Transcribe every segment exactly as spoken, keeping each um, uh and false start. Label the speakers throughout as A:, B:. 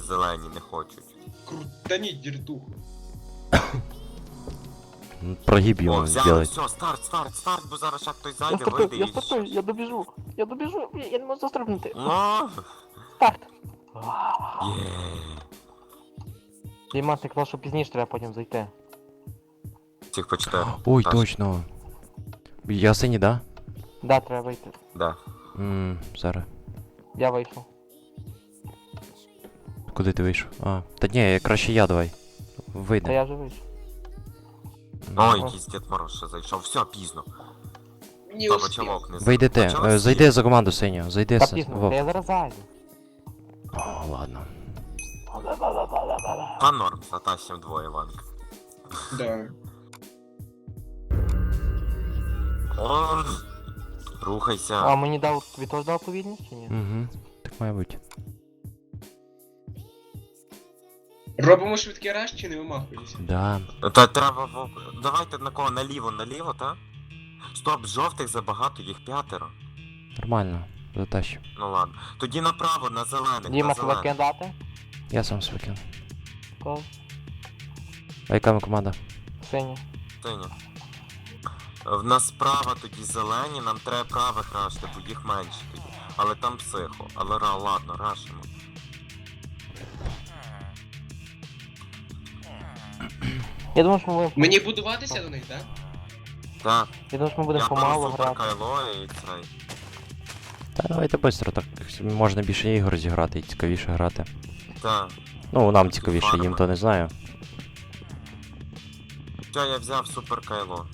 A: зелені не хочуть.
B: Крутаніть діртуху.
C: Прогиб
A: О,
C: ему
A: взяли,
C: сделать.
A: все, старт, старт, старт, бо зараз ще хтось
D: Я
A: зайде,
D: стартую,
A: вийде
D: я
A: і...
D: стартую, я добіжу. Я добіжу, я я не можу застрибнути.
A: Ну,
D: Старт.
A: є.
D: Дійма, ти казав, що пізніше треба потім зайти.
A: Цих почитаю.
C: Ой,
A: Так.
C: точно. Я синій, да?
D: Да, треба вийти.
A: Да.
C: Ммм, зараз.
D: Я вийшов.
C: Куди ти вийшов? А, та ні, краще я давай.
D: Та
C: Вийде.
D: я вже вийшов.
A: Ой, якийсь Дід Мороз ще зайшов, все, пізно.
B: Не
A: Та
B: успів.
A: бочалок не
C: Вийди ти,
A: Почали
C: е,
A: всі.
C: зайди за команду синю, зайди
D: Та
C: с...
D: пізно, та
C: Вов.
D: я зараз зайду.
C: О, ладно.
A: Та норм, затащим двоє, Ванка.
B: Да.
A: О, рухайся.
D: А мені дав, тобі теж дав повільність чи ні?
C: Угу, так має бути.
B: Робимо швидкий раш чи не вимахуємося?
C: Да.
A: Та треба... в- Давайте на кого? Наліво, наліво, та? Стоп, жовтих забагато, їх п'ятеро.
C: Нормально, затащу.
A: Ну ладно. Тоді направо, на зелених,
D: Діма,
A: на
D: тебе
A: зелених.
D: кидати?
C: Я сам свикину.
D: Кого?
C: А яка ми команда?
D: Синя.
A: Синя. В нас справа тоді зелені, нам треба правих рашти, бо їх менше тоді. Але там психо. Але ра, ладно, рашимо.
D: Я думаю, що ми будемо...
B: Мені будуватися до них, так?
A: Так,
D: Я думаю, що ми будемо
A: я
D: помалу
A: беру супер
D: грати.
A: кайло і цей.
C: Та давайте швидко, так можна більше ігор зіграти і цікавіше грати.
A: Так.
C: Ну, нам цікавіше, їм то не знаю.
A: Все, я взяв супер кайло.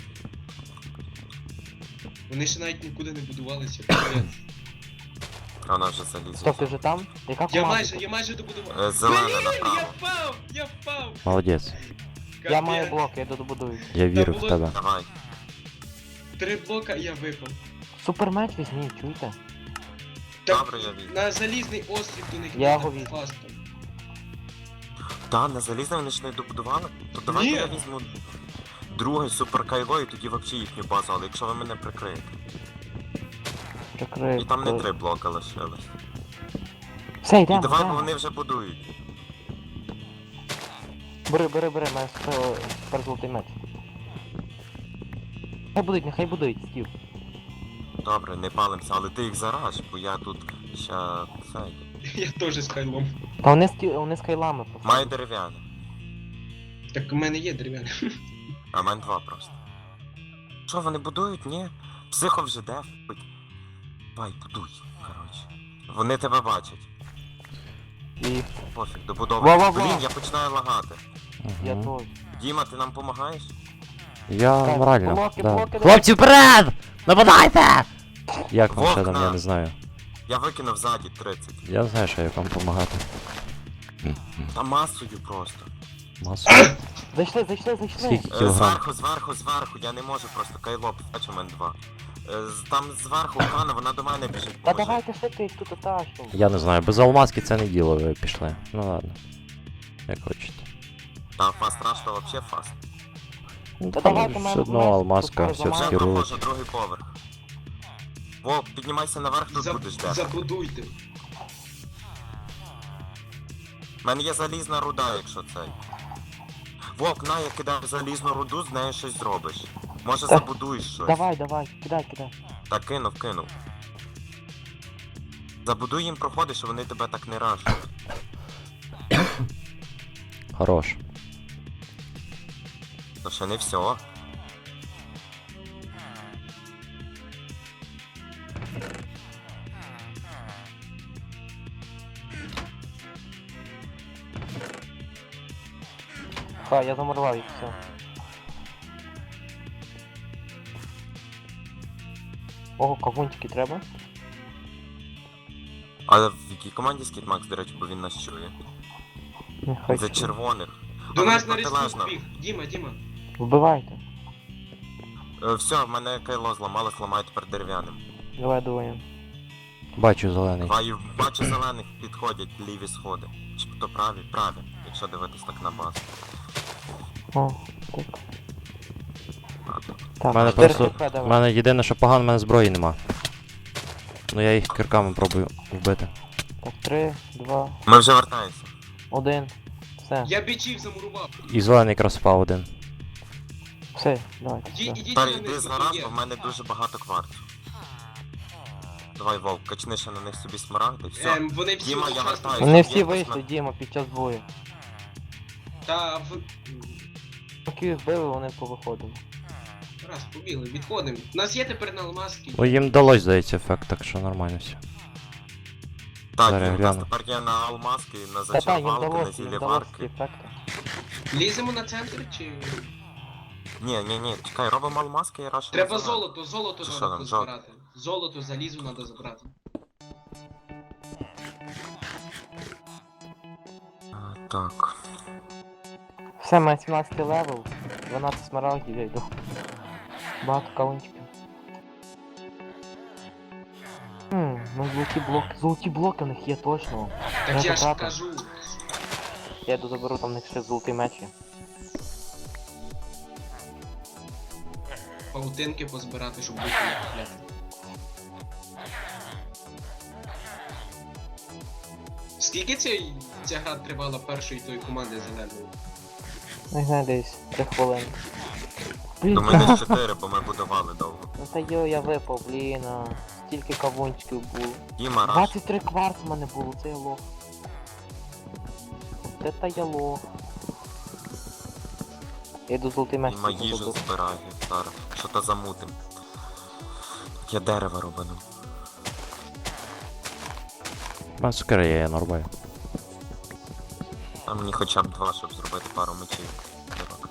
B: Вони ще навіть нікуди не будувалися. капець.
A: А вона вже залізла.
D: Стоп, ти вже там? Яка
B: Я
D: команда?
B: майже, я майже добудував.
A: Е, Зелена
B: Блін, я
A: направо.
B: впав! Я впав!
C: Молодець.
D: Я
B: Капець.
D: маю блок, я добудую.
C: Я вірю в
B: було-
C: тебе.
A: Давай.
B: Три блока і я випав.
D: Супермеч візьміть, чуєте?
B: Так,
A: Добре, я візьму.
B: на залізний острів до них
D: Я
B: не
D: його візьму.
B: фастом.
A: Та, на залізне вони ж не добудували? То давайте
B: Ні.
A: я візьму другий супер кайло і тоді взагалі їхню базу, але якщо ви мене прикриєте.
D: Прикрив.
A: І там не три блока лишилось.
D: Все,
A: І
D: йдемо,
A: давай, бо
D: йдемо.
A: вони вже будують.
D: Бери, бери, бери, мене супер золотий меч. Нехай будуть, нехай будуть, стів.
A: Добре, не палимося, але ти їх зараж, бо я тут ще цей.
B: Я теж з кайлом.
D: Та вони з, ті- вони з кайлами просто.
A: Маю дерев'яне,
B: Так у мене є дерев'яне.
A: а в мене два просто. Що, вони будують? Ні. Психо вже де? Давай, будуй, коротше. Вони тебе бачать.
D: І
A: Пофіг, добудовуй.
D: Во-во-во.
A: Блін, я починаю лагати.
D: я
C: Мгм.
D: теж.
A: Діма, ти нам допомагаєш?
C: Я
D: Так,
C: морально.
D: блоки,
C: Да.
D: блоки,
C: Хлопці, вперед! Нападайте! Як вам ще там,
A: Вовка!
C: я не знаю.
A: Я викинув ззаді тридцять.
C: Я не знаю, що як вам допомагати.
A: Та масою просто.
C: Масу.
D: Зайшли, зайшли, зайшли.
C: Скільки
A: Е,
C: кілограм?
A: Зверху, зверху, зверху, я не можу просто кайло, бачу, у мене два. Е, з- Там зверху Хана, вона до мене біжить.
D: Та
A: поможи.
D: давайте швидко їх тут тащимо.
C: Я не знаю, без алмазки це не діло, ви пішли. Ну ладно. Як хочете.
A: Та фаст раш, то вообще фаст.
C: Ну,
D: Та
C: там
D: давайте
C: все
D: мене
C: одно
D: вместе,
C: алмазка,
D: тут
C: все
D: перезамазати.
A: Вже
C: вскерують.
A: проходжу другий поверх. Вов, піднімайся наверх, тут
B: За-
A: будеш де.
B: Забудуйте.
A: У мене є залізна руда, якщо цей. Вовк, на, я кидаю залізну руду, з нею щось зробиш. Може
D: Та-
A: забудуєш щось.
D: Давай, давай, кидай, кидай.
A: Так, кинув, кинув. Забудуй їм проходи, що вони тебе так не рашуть.
C: Хорош.
A: То ще не все.
D: Ха, я замурував їх, все. Ого, кавунчики треба?
A: А в якій команді Скітмакс, до речі, бо він нас чує?
D: Нехай.
A: За червоних.
B: До
A: А
B: нас
A: вони
B: на різку
A: протилежно.
B: біг. Діма, Діма.
D: Вбивайте.
A: Е, Все, в мене кайло зламалось, ламаю тепер дерев'яним.
D: Давай двоє.
C: Бачу зелений.
A: Баю, бачу зелених підходять ліві сходи. Чи то праві? Праві, якщо дивитись так на базу.
D: О, так.
A: Ладно.
D: Так,
C: У мене
D: чотири
C: просто-
D: хп
C: У
D: давай.
C: мене єдине, що погано, в мене зброї нема. Ну я їх кирками пробую вбити.
D: Так, три, два.
A: Ми вже вертаємося.
D: Один. Все.
B: Я бичів замурував.
C: І зелений якраз впав один.
D: Все, давайте.
B: Іди,
D: сюди.
B: ідіть
A: Та
B: на
A: йди
B: них,
A: зараз,
B: є.
A: бо в мене дуже багато кварцу. Давай, Вовк, качни ще на них собі смарагди, все.
B: Ем, вони всі
A: Діма, я
B: одночасно.
A: вертаюсь.
D: Вони
A: Є
D: всі
A: хтось
D: вийшли,
A: на-
D: Діма, під час бою.
B: Та в...
D: Поки їх били, вони повиходили.
B: Раз, побігли, відходимо. У нас є тепер на алмазки.
C: Ой, їм вдалося, здається, ефект, так що нормально все.
A: Так,
C: Зараз
A: Дім, у нас
C: гляну.
A: тепер є на алмазки, на
D: Та та, їм
A: зачарвалки, на
D: вдалося, їм
A: зілі
D: вдалося ці
A: варки.
D: ефекти.
B: Ліземо на центр чи.
A: Ні, ні, ні, чекай, робимо алмазки і раш.
B: Треба золото, золото
A: Чи що
B: треба
A: там,
B: позбирати. Золото, залізо треба забрати.
A: Так.
D: Все, має сімнадцятий левел, дванадцять смарагдів, я йду. Багато каунчиків. Хм, ну золоті блоки. Золоті блоки в них є точно.
B: Так
D: Я
B: я ж
D: забрати.
B: кажу.
D: Я йду заберу, там в них ще золотий меч є.
B: Паутинки позбирати, щоб бути не купляти. Скільки ця, ця гра тривала першої тої команди зеленої?
D: Не знаю, десь три хвилини. Блін,
A: Думаю, десь чотири, бо ми будували довго.
D: ну та йо, я випав, блін, а. Стільки кавунчиків було.
A: Діма, раш.
D: двадцять три кварц в мене було, це я лох. Це та я лох. Я йду золотий меч.
A: Діма
D: собі
A: їжу
D: заберу.
A: збирає зараз. Що то замутим. Я дерево робину.
C: У мене цукери є, я нарубаю.
A: А мені хоча б два, щоб зробити пару мечів. Дорог.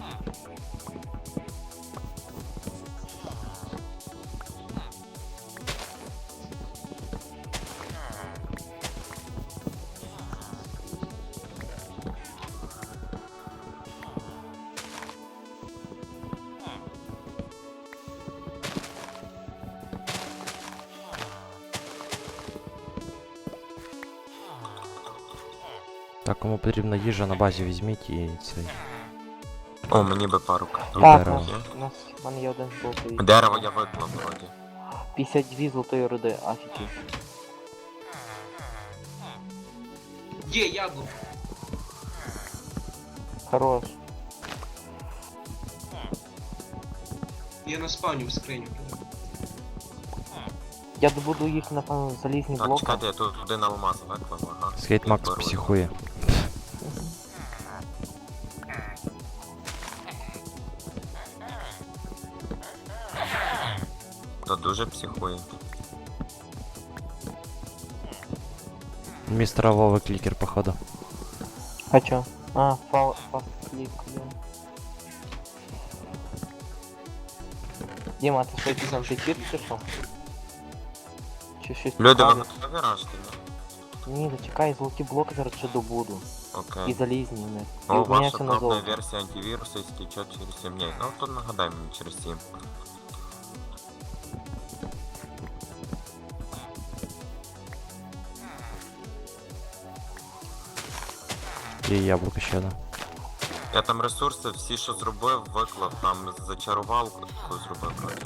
C: Так, кому потрібна їжа на базі візьміть і цей.
A: О, мені би пару
C: І
A: карток.
D: Так,
C: дерево.
D: у нас, у нас в мене є один золотий.
A: Дерево я виклав вроді.
D: п'ятдесят дві золотої руди, афіки.
B: Є, яблуко.
D: Хорош.
B: Я на спавню в скриню.
D: Я добуду їх, напевно, в залізні
A: Так,
D: блоки.
A: чекайте, я тут один алмаз виклав, ага.
C: Скейт Макс
A: Беру.
C: психує.
A: Та дуже психує.
C: Містера Вова клікер, походу.
D: А чо? А, фал, фаст клік, блін. Діма, ти що,
B: казав,
D: ти чит чи що? Чи щось
A: Люди, ви
D: цікаве?
A: готові рашти, ні?
D: Ні, зачекай, золоті блоки зараз ще добуду. І
A: Окей.
D: залізні в них. І
A: О, ваша
D: обміняюся на
A: пробна
D: золото.
A: версія антивірусу істечет через сім днів. Ну, то нагадай мені через сім.
C: І яблуко ще одне.
A: Я там ресурси, всі, що зробив, виклав, там зачарувалку зробив вроді.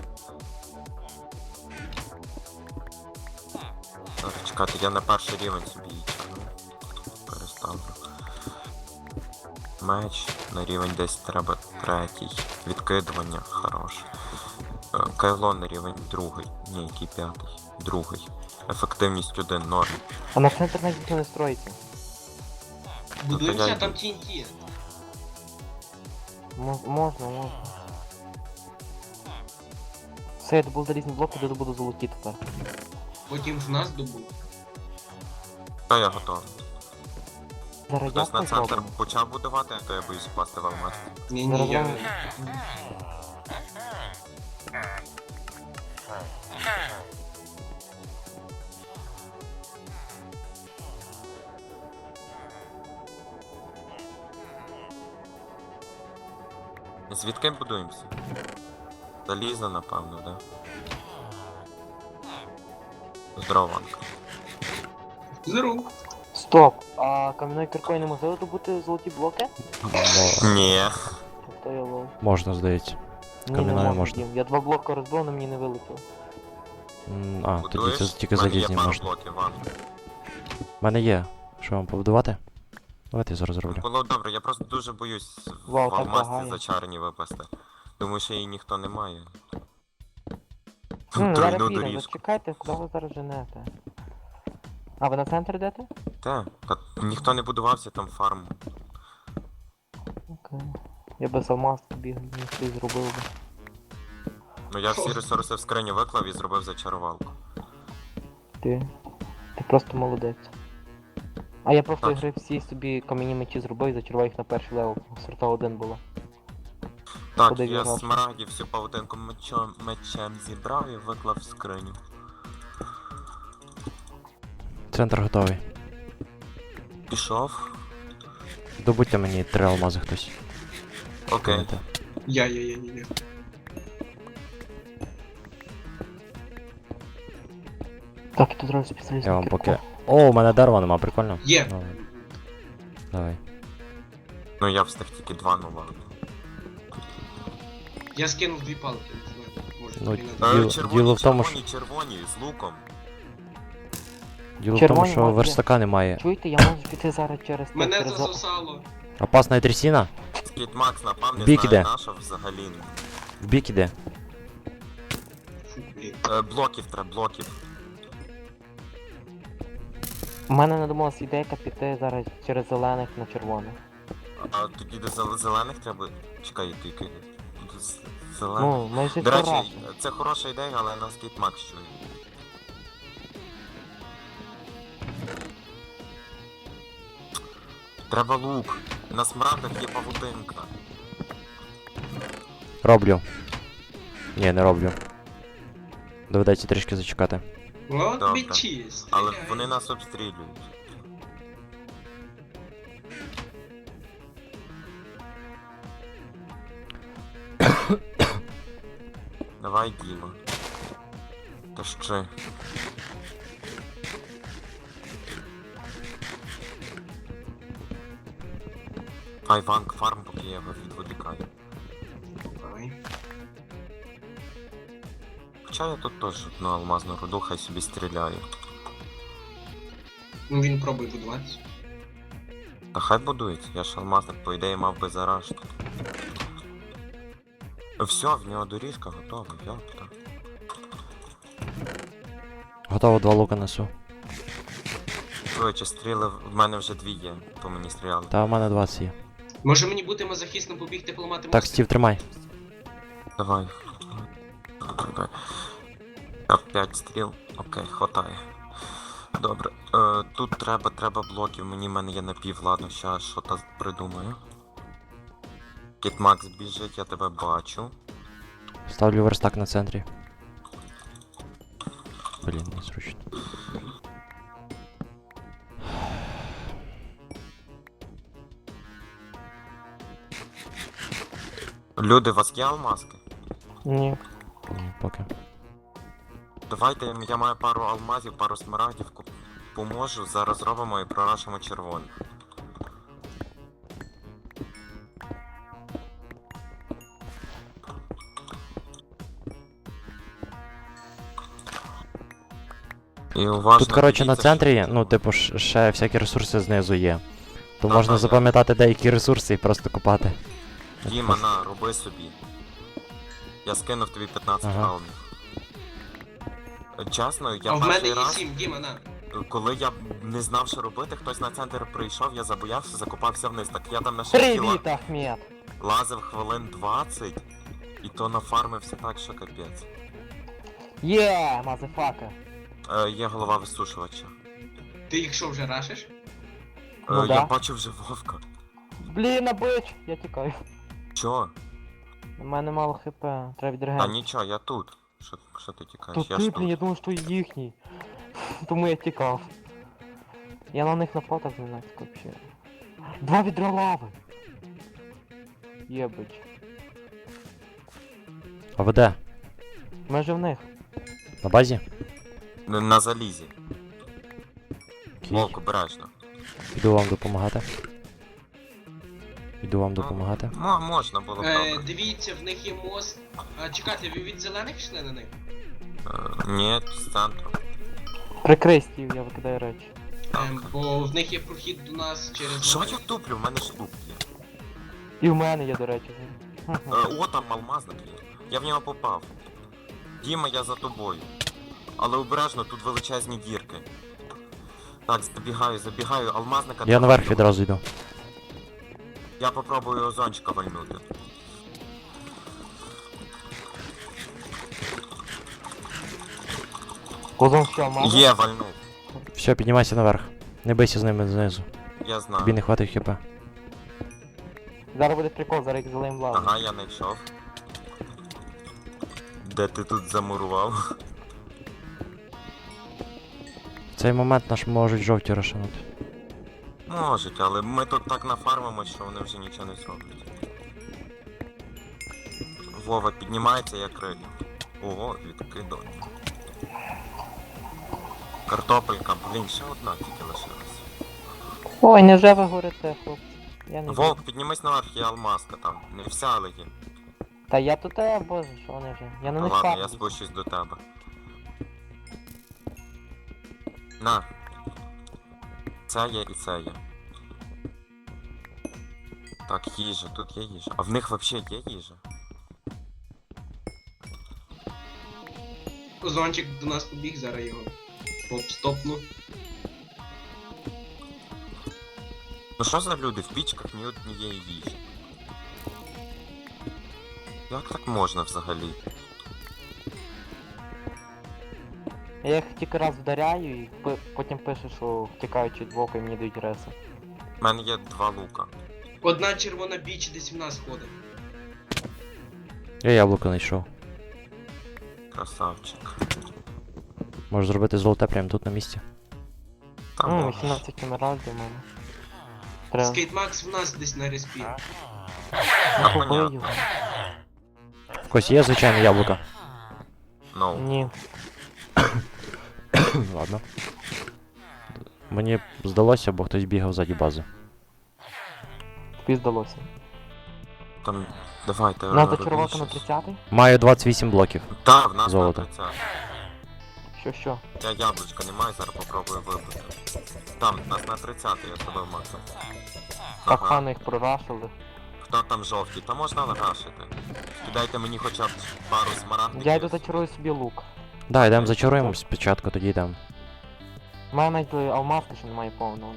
A: Так, чекайте, я на перший рівень собі її тягну. Переставлю. Меч на рівень десь треба третій. Відкидування, хорош. Е, Кайло на рівень другий. Ні, який п'ятий. Другий. Ефективність один, норм.
D: А на центр навіть ніхто не строїться.
B: Будуємося,
A: я
B: там
A: йду.
B: ті ен ті.
D: Мо- Можна, можна. Все, я добув залізні блоки, де добуду золоті тепер.
B: Потім з нас добув.
A: Та я готовий.
D: Зараз
A: Хтось
D: як
A: на
D: ми
A: центр
D: зробимо?
A: почав будувати, то я боюсь впасти в алмаз.
B: Ні,
D: Зараз
B: ні, я...
D: вам-
A: Звідки будуємося? Залізо, напевно, да? Здорово, Ванка.
B: Здоров.
D: Стоп! А кам'яною киркою неможливо добути золоті блоки?
C: Мо-
A: Ні.
D: То я лов.
C: Можна, здається.
D: Ні, не
C: Кам'яною
D: можна,
C: можна.
D: Дім. Я два блоки розбив, але мені не вилетіло.
C: М, А, тоді
A: Будуєш?
C: це тільки
A: В мене є
C: залізні
A: пару
C: можна.
A: блоків, Ванка.
C: У мене є. Що вам побудувати? Давайте я зараз зроблю.
A: Було добре, я просто дуже боюсь в
D: Вау, так
A: алмазці
D: багає.
A: зачарені випасти. Думаю, що її ніхто не має.
D: М, зараз
A: Тройну
D: підемо,
A: доріжку.
D: зачекайте, куди ви зараз женете? А, ви на центр йдете?
A: Те, та ніхто не будувався там фарм.
D: Окей. Я без алмазки бігав, ніхто зробив би.
A: Ну я всі ресурси в скриню виклав і зробив зачарувалку.
D: Ти. Ти просто молодець. А я просто
A: Так.
D: ігри всі собі кам'яні мечі зробив і зачарував їх на перший левел. Сорта один було.
A: Так,
D: Куди
A: я
D: грати?
A: смарагдів всю павутинку мечом, мечем зібрав і виклав в скриню.
C: Центр готовий.
A: Пішов.
C: Добудьте мені три алмази хтось.
A: Окей.
C: Давайте.
B: Я, я, я, я, я.
D: Так, і тут зразу спеціаліст.
C: Я вам поки. О, у мене дерева нема, прикольно.
B: Є.
C: Ну, давай.
A: Ну я встиг тільки два, ну ладно.
B: Я скинув дві палки, не знаю, може
C: Ну,
B: тобі надо.
A: Е,
C: Діло-
A: червоні,
C: діло в тому,
A: червоні, червоні, з луком.
C: Діло в тому,
D: Червоні
C: що
D: маки.
C: верстака немає.
D: Чуєте, я можу піти зараз через те,
B: Мене
D: через за-
B: засосало.
C: Опасна трясіна?
A: Скіт Макс напав, не
C: Бік
A: знаю
C: іде.
A: наша взагалі.
C: В бік іде.
B: Фу, блін.
A: Е, блоків треба, блоків.
D: У мене надумалась ідейка піти зараз через зелених на червоних.
A: А тоді до зел- зелених треба. Чекай, тільки. До з- зелених.
D: Ну, ми ж
A: До речі,
D: разом.
A: це хороша ідея, але нас Скіт Макс чує. Треба лук. На смарагдах є павутинка.
C: Роблю. Ні, не роблю. Доведеться трішки зачекати.
B: От
A: Добре.
B: бичі,
A: Але
B: стріляй.
A: вони нас обстрілюють. Давай, Діма. Та ще. Ай, Ванг фарм, поки я його відволікаю.
B: Давай.
A: Хоча я тут теж одну алмазну руду, хай собі стріляю.
B: Ну він пробує будуватися.
A: Та хай будується, я ж алмазник, по ідеї, мав би заражити. Все, в нього доріжка готова, йопта.
C: Готово, два лука несу.
A: Короче, стріли, в мене вже дві є, по мені стріляли.
C: Та в мене двадцять є.
B: Може мені бути мазохістом побігти поламати
C: Так,
B: мост?
C: Стів, тримай.
A: Давай. Давай. Так, п'ять стріл. Окей, хватає. Добре. Е, тут треба, треба блоків. Мені в мене є напів, ладно, щас що то придумаю. Кіт Макс біжить, я тебе бачу.
C: Ставлю верстак на центрі. Блін, незручно.
A: Люди, у вас є алмазки?
D: Ні.
C: Ні, поки.
A: Давайте, я маю пару алмазів, пару смарагдів, куп- поможу, зараз зробимо і прорашимо червоний. І уважно
C: Тут, коротше, на
A: дивіться,
C: центрі, ну, типу, ж- ще всякі ресурси знизу є. То
A: Ага,
C: можна
A: я-
C: запам'ятати деякі ресурси і просто копати.
A: Діма, на, роби собі. Я скинув тобі п'ятнадцять
C: Ага.
A: алмів. Чесно, я
B: А в мене
A: перший
B: є
A: раз,
B: сім, Діма, на.
A: коли я не знав, що робити, хтось на центр прийшов, я забоявся, закопався вниз. Так я там на шахті ла-
D: Привіт, Ахмед!
A: лазив хвилин двадцять, і то нафармився так, що капець.
D: Є, мазефака!
A: Е, є голова висушувача.
B: Ти їх що вже рашиш?
A: Е,
D: Ну
A: я
D: да.
A: бачив вже вовка.
D: Блін, бич! Я тікаю.
A: Чо?
D: У мене мало хп, треба
A: Та
D: відрегенити.
A: нічого, я тут. Що, що ти тікаєш?
D: Тут
A: Я
D: ти,
A: ж
D: блін, я
A: тут.
D: думав, що їхній. Тому я тікав. Я на них напав так зненацька вообще. Два відра лави! Єбич.
C: А ви де?
D: Ми же в них.
C: На базі?
A: На, на залізі.
C: Окей.
A: Вовк, обережно.
C: Іду вам допомагати. Іду вам допомагати.
A: Мо, можна було б
B: Е,
A: добре.
B: дивіться, в них є мост. А чекайте, ви від зелених йшли на них?
A: Е, ні, з центру.
D: Прикрий стів, я викидаю речі.
B: Ем, бо в них є прохід до нас через...
A: Що я туплю? В мене ж лук є.
D: І в мене є, до речі.
A: Е, О, там алмазник є. Я в нього попав. Діма, я за тобою. Але обережно, тут величезні дірки. Так, забігаю, забігаю, алмазника...
C: Я
A: треба
C: наверх
A: вбивати.
C: відразу йду.
A: Я попробую озончика вальнути.
D: Козон що, мама?
A: Є, вальнув.
C: Все, піднімайся наверх. Не бийся з ними знизу.
A: Я знаю.
C: Тобі не хватить хп.
D: Зараз буде прикол, зараз їх залиємо лаву.
A: Ага, я знайшов. Де ти тут замурував?
C: В цей момент наш можуть жовті розшанути.
A: Можуть, але ми тут так нафармимо, що вони вже нічого не зроблять. Вова піднімається, я крию. Ого, відкидав. Картопелька, блін, ще одна тільки лишилась.
D: Ой, невже ви горите, хлопці? Я не
A: Вовк, піднімись наверх, є алмазка там. Не вся, але є.
D: Та я тут, а, боже, що вони вже? Я на
A: Ну
D: них
A: ладно, я
D: фармлюсь.
A: спущусь до тебе. На. Це є і це є. Так, їжа, тут є їжа. А в них взагалі є їжа?
B: Озончик до нас побіг, зараз його поп-стопну.
A: Ну що за люди, в пічках ні однієї їжі? Як так можна взагалі?
D: Я їх тільки раз вдаряю і пи- потім пише, що втікають від боку і мені дають реси.
A: У мене є два лука.
B: Одна червона біч десь в нас ходить.
C: Я яблуко знайшов.
A: Красавчик.
C: Можеш зробити золоте прямо тут на місці.
A: Там
D: Ну,
A: можеш.
D: вісімнадцять емеральдів у мене. Треба.
B: Скейтмакс в нас десь на респі.
A: А,
D: Я побию.
A: понятно.
C: В когось є звичайне яблуко?
A: Ну,
D: Ні.
C: Ладно. Мені здалося, бо хтось бігав ззаді бази.
D: Тобі здалося.
A: там... Давайте,
D: Нас
A: робіть
D: зачарувати на
A: щось.
D: тридцятий?
C: Маю двадцять вісім блоків.
A: Так, в нас
C: Золото.
A: на тридцять.
D: Що що?
A: Я яблучка не маю, зараз попробую вибити. Там, нас на тридцять, я зробив максимум.
D: Так
A: Ага.
D: файно їх прорашили.
A: Хто там жовтий? Та можна легашити. Кидайте мені хоча б пару смарагдів.
D: Я йду зачарую собі лук.
C: Да, йдемо зачаруємо спочатку, тоді йдемо.
D: У мене навіть е, алмазки ще немає повного.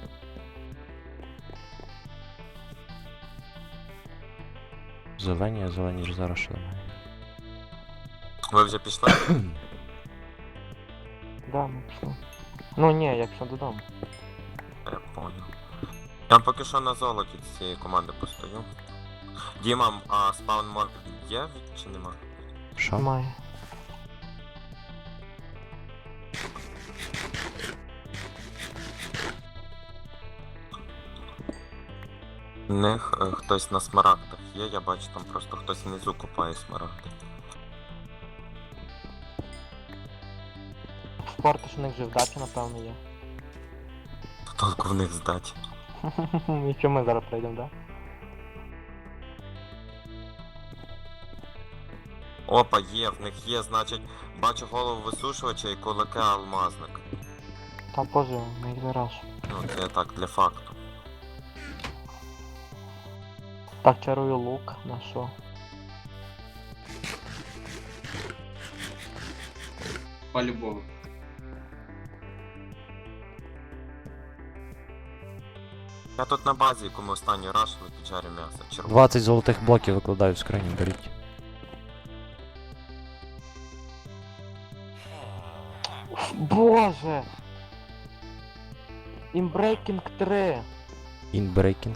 C: Зелені, а зелені ж зараз ще немає.
A: Ви вже пішли?
D: Да, ми пішли. Ну ні, якщо додому.
A: Я понял. Я поки що на золоті з цієї команди постою. Діма, а спаун мод є чи нема?
C: Що?
D: Немає.
A: В них е, хтось на смарагдах є, я бачу там просто хтось внизу купає смарагди.
D: Спорти ж у них вже вдача, напевно, є.
A: Толку в них здать.
D: І що ми зараз прийдемо, да?
A: Опа, є, в них є, значить, бачу голову висушувача і кулаки алмазник.
D: Та боже, ми їх зараз.
A: Ну, це я так для факту.
D: Так, чарую лук, на що?
B: По-любому.
A: Я тут на базі, яку ми останній рашили, піджарю м'ясо. Червоне.
C: двадцять золотих блоків викладаю в скриню, беріть.
D: Боже! Inbreaking три!
C: Інбрейкінг.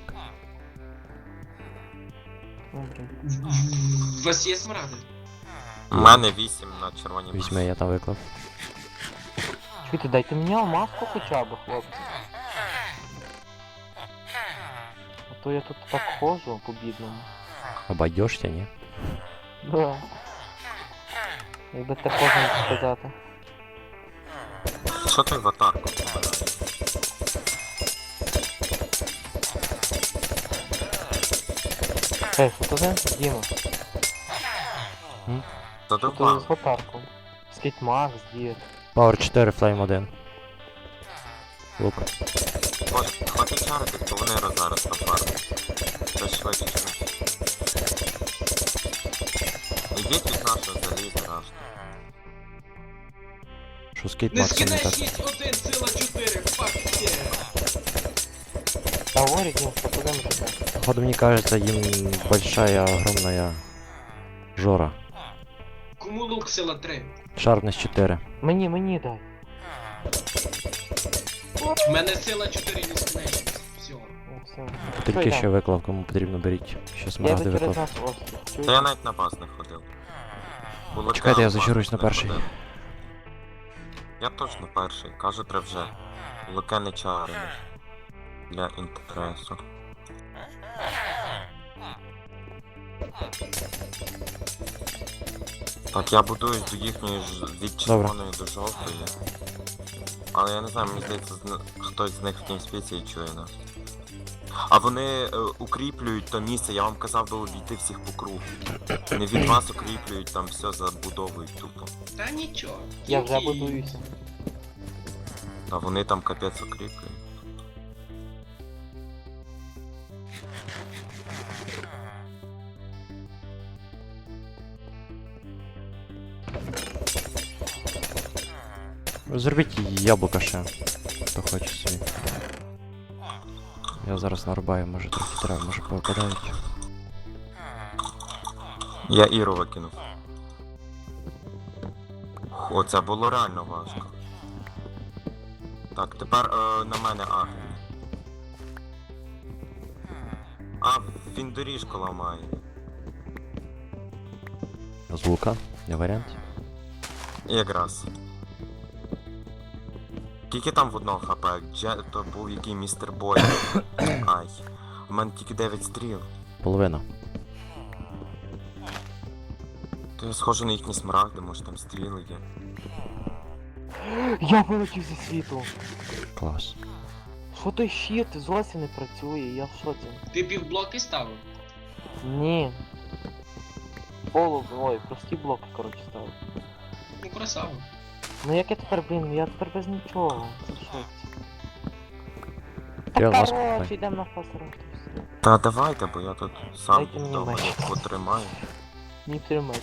D: Ну, блін.
B: У вас є смарагди?
A: У мене вісім на червоній м'ясо.
C: Візьми, я там виклав.
D: Чуєте, дайте мені алмазку хоча б, хлопці. А то я тут так ходжу по-бідному.
C: Обойдешся, ні?
D: Да. Якби так можна сказати.
A: Що ти в атаку?
D: Ей, що то за? Діма, що то
A: Задовбав.
D: з аватарком? Скейтмакс, дід.
C: Power чотири, Flame один. Лук.
A: Боже, хватить чарити, то вони раз зараз на фарму. Це швидше, швидше. Ідіть від нашого заліза, раш.
C: Що скейт
B: Не
C: Максим не
B: скидай
C: так.
B: шість один ціла чотири, фак є.
D: Та говорить, ну, попадемо туди.
C: Походу, мне кажется, им большая, огромная жора.
B: Кому лук сила три?
C: Шарпнес чотири.
D: Мені, мені дай.
B: У мене сила чотири нескінченність. Все.
D: О, все.
C: Тільки
D: йдемо?
C: ще виклав, кому потрібно беріть. Ще
D: Я
C: смарагди
D: йду через
C: виклав.
D: нас острів.
A: Та я
D: Чуєш?
A: навіть на баз не ходив. Було
C: Чекайте, я
A: темно,
C: зачаруюсь на
A: не
C: перший.
A: ходив. Я точно перший, кажу, треба вже. Луке не чарили. Для інтересу. Так, я будуюсь до їхньої ж від червоної до жовтої. Але я не знаю, мені здається, зна- хтось з них в тімспіці чує нас. А вони е, укріплюють то місце, я вам казав би обійти всіх по кругу. Не від вас укріплюють, там все забудовують тупо.
B: Та нічого.
D: Я вже
B: Тільки-
D: будуюся.
A: Та вони там капець укріплюють.
C: Зробіть яблука ще. Хто хоче собі. Я зараз нарубаю, може трохи треба, може повипадають.
A: Я Іру викинув. О, це було реально важко. Так, тепер е, на мене А. А, він доріжку ламає.
C: З лука, не варіант.
A: Якраз. Скільки там в одного хп? Дже... То був який містер Бой. Ай. У мене тільки дев'ять стріл.
C: Половина.
A: То я схожу на їхні смарагди, може там стріли є.
D: Я вилетів зі світу.
C: Клас.
D: Що той щит зовсім не працює, я в шоці.
B: Ти півблоки ставив?
D: Ні. Полу, ой, прості блоки, коротше, ставив.
B: Ну красава.
D: Ну як я тепер, блін, я тепер без нічого. Це в шоці.
C: Я
D: Та
C: вас
D: коротше,
C: купаю.
D: йдемо на фасером.
A: Та давайте, бо я тут сам
D: Дайте мені
A: вдома
D: меч.
A: їх потримаю.
D: Ні тримай.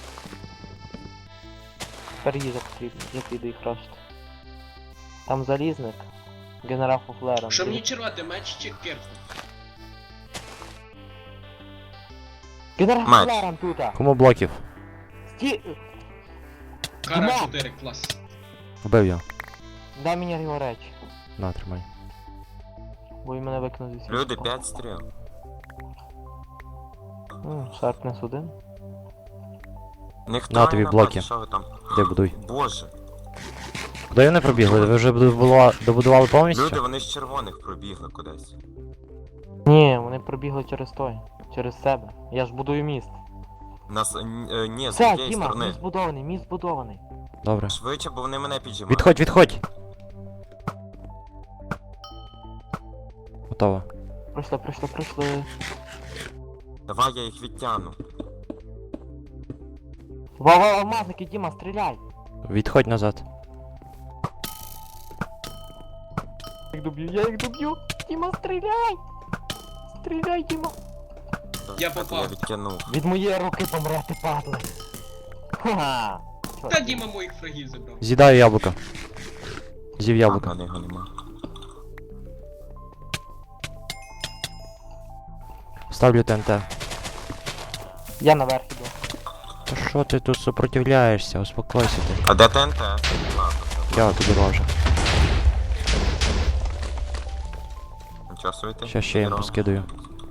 D: Тепер їжа потрібна, я піду їх рашити. Там залізник. Генерал Фуфлера.
B: Що мені червати, меч чи кирку?
D: Генерал
A: Меч.
D: Фуфлером тута!
C: Кому блоків?
D: Сті...
B: Кара
D: Дима!
B: чотири, клас.
C: Вбив його.
D: Дай мені його речі.
C: На, тримай.
D: Бо він мене викинув зі світу.
A: Люди, п'ять стріл.
D: М, Шарпнес один.
A: Ніхто
C: На
A: не
C: тобі
A: напав,
C: блоки.
A: що ви там?
C: Де будуй.
A: Боже.
C: Куди вони пробігли? Ви вже добудували, добудували повністю?
A: Люди, вони з червоних пробігли кудись.
D: Ні, вони пробігли через той. Через себе. Я ж будую міст.
A: Нас, е, е, ні, з
D: Все,
A: тієї
D: Діма,
A: сторони.
D: міст збудований, міст збудований.
C: Добре.
A: Швидше, бо вони мене піджимають.
C: Відходь, відходь! Готово.
D: Пройшли, пройшли, пройшли.
A: Давай я їх відтягну.
D: Ва-ва, алмазники, Діма, стріляй!
C: Відходь назад.
D: Я їх доб'ю, я їх доб'ю! Діма, стріляй! Стріляй, Діма!
B: Я
A: Так,
B: попав.
A: Я відтягнув.
D: Від моєї руки помрете, падли! Ха-ха! Чорт.
B: Та Діма моїх фрагів забрав.
C: З'їдаю яблука. З'їв
A: А,
C: яблука.
A: в мене його нема.
C: Ставлю ТНТ.
D: Я наверх іду.
C: Та що ти тут супротивляєшся? Успокойся ти.
A: А де ТНТ? Ладно, все.
C: Я тобі ложу.
A: Нічого собі ти.
C: Щас ще їм
A: Здорово.
C: поскидаю.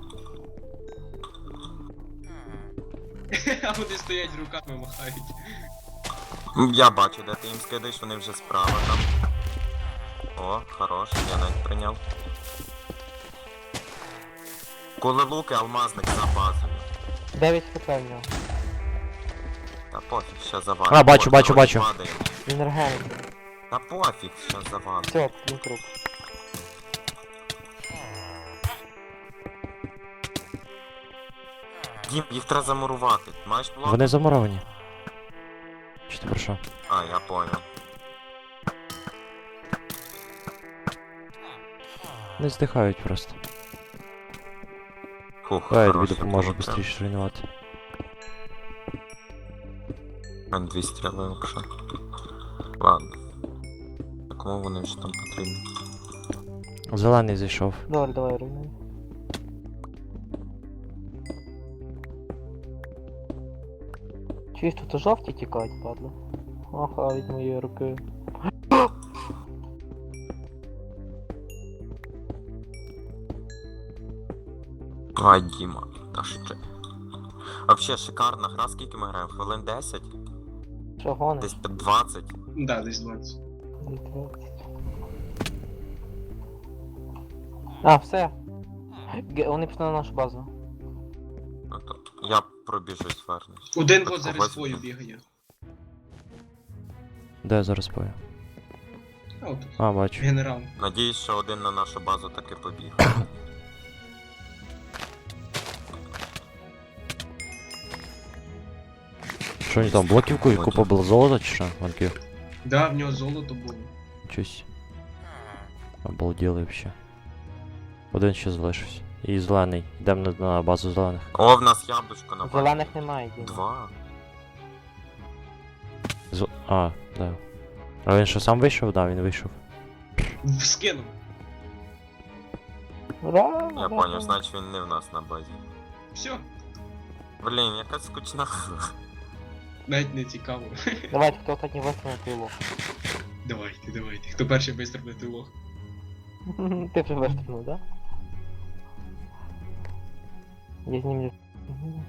B: А вони стоять руками махають.
A: М, Я бачу, де ти їм скидаєш, вони вже справа там. О, хорош, я навіть прийняв. Коли луки, алмазник за базою.
D: дев'ять хп в нього.
A: Та пофіг, ще завалить.
C: А, бачу,
A: О,
C: бачу,
A: коротше,
C: бачу.
A: падає.
D: Він регенить.
A: Та пофіг, ще завалить.
D: Все, він труп.
A: Дім, їх треба замурувати. Маєш блок?
C: Вони замуровані. Чи ти про що?
A: А, я понял.
C: Не здихають просто.
A: Фух,
C: Давай я тобі
A: хороший
C: допоможу
A: получив.
C: швидше руйнувати.
A: У мене дві стріли лише. Ладно. А кому вони вже там потрібні?
C: Зелений зайшов.
D: Добре, давай руйнуй. Чуєш, тут жовті тікають, падла. Ага, від моєї руки.
A: Ай, Діма, та ще. Вообще шикарна гра, скільки ми граємо? Хвилин десять?
D: Що гониш?
A: Десь під двадцять?
B: Да, десь двадцять.
D: А, все. Ге- Вони пішли на нашу базу.
A: Ну то я пробіжусь, вернусь.
B: Один
A: Так,
B: вот зараз
A: когось
B: свою
A: буде.
B: бігає.
C: Де я зараз пою?
B: А, от
C: А, бачу.
B: генерал.
A: Надіюсь, що один на нашу базу таки побіг.
C: Що вони там, блоківку і купа було золота чи що? Ванків?
B: Да, в нього золото було.
C: Чусь. Обалділи вообще. Один ще залишився. І зелений. Йдемо на, на базу зелених.
A: О, в нас яблучко на базі.
D: Зелених немає, Діма.
A: Два.
C: З... А, да. А він що сам вийшов? Да, він вийшов.
B: В- Скинув.
D: Ура!
A: Я
D: ура,
A: поняв,
D: ура.
A: значить він не в нас на базі.
B: Все,
A: Блін, яка скучна.
B: навіть не цікаво.
D: Давайте, хто останній вистріл на пилу.
B: Давайте, давайте. Хто перший вистрибне тило?
D: Ти вже вистрілив, да? Я знімлю. Мгм.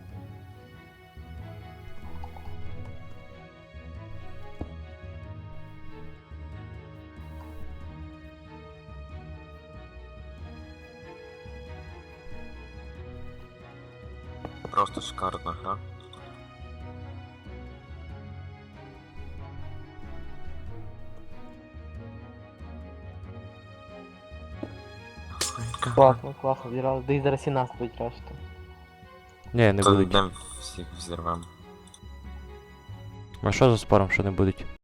A: Просто шикарна гра.
D: Класно, класно, зіграли. Десь зараз і нас будуть рашити.
C: Ні, не
A: Це
C: будуть.
A: йдемо всіх взірвемо.
C: А що за спором, що не будуть?